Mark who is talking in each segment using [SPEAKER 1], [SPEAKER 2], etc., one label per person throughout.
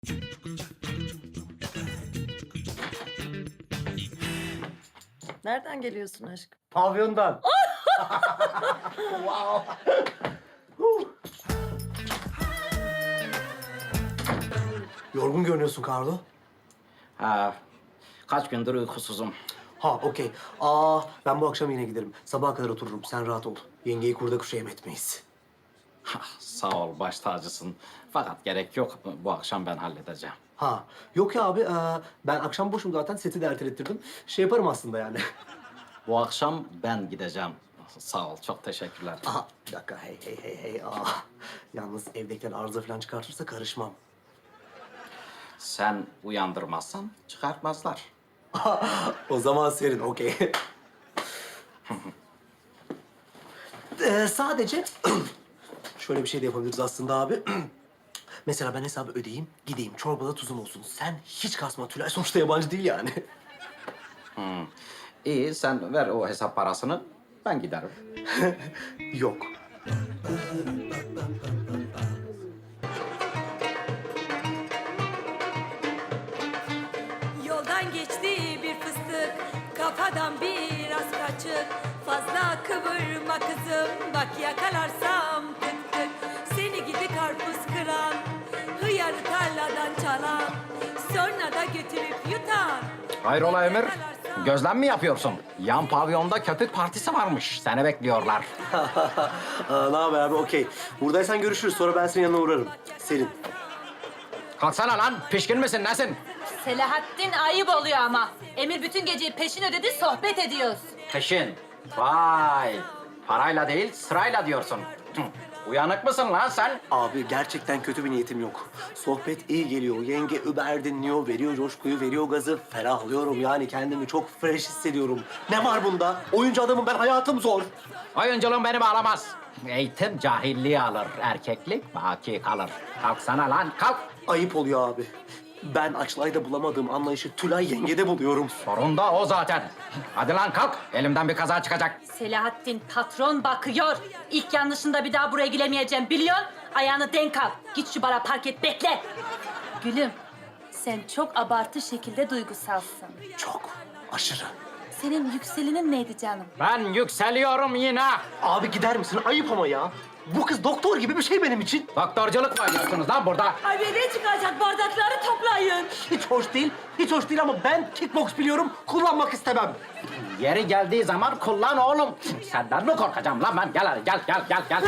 [SPEAKER 1] Nereden geliyorsun aşkım?
[SPEAKER 2] Pavyondan. Wow. Yorgun görünüyorsun Carlo.
[SPEAKER 3] Ha, kaç gündür uykusuzum.
[SPEAKER 2] Ha, okey. Ben bu akşam yine giderim. Sabaha kadar otururum. Sen rahat ol. Yengeyi kurda kuşa yem etmeyiz.
[SPEAKER 3] Sağ ol, baş tacısın. Fakat gerek yok. Bu akşam ben halledeceğim.
[SPEAKER 2] Ha, yok ya abi. Ben akşam boşum zaten. Seti de ertelettirdim. Şey yaparım aslında yani.
[SPEAKER 3] Bu akşam ben gideceğim. Sağ ol, çok teşekkürler.
[SPEAKER 2] Aha, bir dakika. Hey. Yalnız evdekiler arıza falan çıkartırsa karışmam.
[SPEAKER 3] Sen uyandırmazsan çıkartmazlar.
[SPEAKER 2] O zaman serin, okey. Sadece şöyle bir şey de yapabiliriz aslında abi. Mesela ben hesabı ödeyeyim, gideyim. Çorbada tuzum olsun. Sen hiç kasma. Tülay sonuçta yabancı değil yani.
[SPEAKER 3] İyi, sen ver o hesap parasını, ben giderim.
[SPEAKER 2] Yok.
[SPEAKER 4] Yoldan geçti bir fıstık, kafadan biraz kaçık. Fazla kıvırma kızım, bak yakalarsam tık tık. Seni gidi karpuz kıran, hıyarı tarladan çalan, sonra da götürüp yutan.
[SPEAKER 3] Hayrola Emir? Gözlem mi yapıyorsun? Yan pavyonda köpük partisi varmış. Seni bekliyorlar.
[SPEAKER 2] Ne haber abi? Okey. Buradaysan görüşürüz. Sonra ben senin yanına uğrarım. Serin.
[SPEAKER 3] Kalksana lan, pişkin misin, nesin?
[SPEAKER 5] Selahattin ayıp oluyor ama. Emir bütün geceyi peşin ödedi, sohbet ediyoruz.
[SPEAKER 3] Peşin. Vay. Parayla değil, sırayla diyorsun. Uyanık mısın lan sen?
[SPEAKER 2] Abi gerçekten kötü bir niyetim yok. Sohbet iyi geliyor. Yenge über dinliyor, veriyor coşkuyu, veriyor gazı. Ferahlıyorum yani kendimi çok fresh hissediyorum. Ne var bunda? Oyuncu adamım ben, hayatım zor.
[SPEAKER 3] Oyunculuğun beni bağlamaz. Eğitim cahilliği alır, erkeklik baki kalır. Kalksana lan, kalk.
[SPEAKER 2] Ayıp oluyor abi. Ben Açlay'da bulamadığım anlayışı Tülay yengede buluyorum.
[SPEAKER 3] Sorun da o zaten. Hadi lan kalk, elimden bir kaza çıkacak.
[SPEAKER 5] Selahattin patron bakıyor. İlk yanlışında bir daha buraya gelemeyeceğim biliyorsun. Ayağını denk al. Git şu bara park et, bekle. Gülüm, sen çok abartı şekilde duygusalsın.
[SPEAKER 2] Çok, aşırı.
[SPEAKER 5] Senin yükselinin neydi canım?
[SPEAKER 3] Ben yükseliyorum yine.
[SPEAKER 2] Abi gider misin? Ayıp ama ya. Bu kız doktor gibi bir şey benim için.
[SPEAKER 3] Doktorculuk mu oynuyorsunuz lan burada?
[SPEAKER 4] Ay ne çıkacak, bardakları toplayın.
[SPEAKER 2] Hiç hoş değil, hiç hoş değil ama ben kickbox biliyorum, kullanmak istemem.
[SPEAKER 3] Yeri geldiği zaman kullan oğlum. Senden mi korkacağım lan ben? Gel hadi, gel.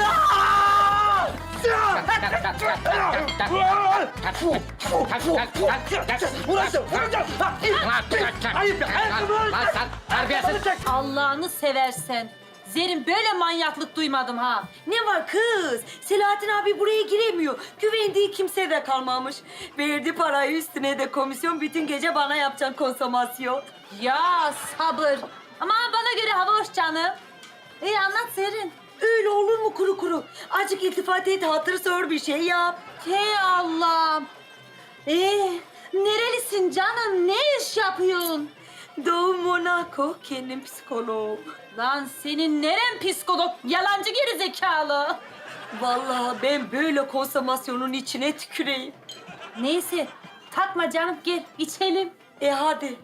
[SPEAKER 2] Ayıp ya,
[SPEAKER 3] Lan sen terbiyesiz.
[SPEAKER 5] Allah'ını seversen. Zerrin böyle manyaklık duymadım ha.
[SPEAKER 4] Ne var kız? Selahattin abi buraya giremiyor. Güvendiği kimse de kalmamış. Verdi parayı, üstüne de komisyon, bütün gece bana yapacaksın konsomasyon.
[SPEAKER 5] Ya sabır. Ama bana göre hava hoş canım. İyi anlat Zerrin.
[SPEAKER 4] Öyle olur mu kuru kuru? Azıcık iltifat et, hatır sor, bir şey yap.
[SPEAKER 5] Hey Allah'ım. Nerelisin canım? Ne iş yapıyorsun?
[SPEAKER 4] Doğu Monaco, kendim psikolog.
[SPEAKER 5] Lan senin neren psikolog? Yalancı gerizekalı.
[SPEAKER 4] Vallahi ben böyle konsomasyonun içine tüküreyim.
[SPEAKER 5] Neyse takma canım, gel içelim.
[SPEAKER 4] Hadi.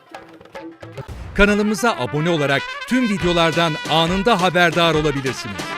[SPEAKER 6] Kanalımıza abone olarak tüm videolardan anında haberdar olabilirsiniz.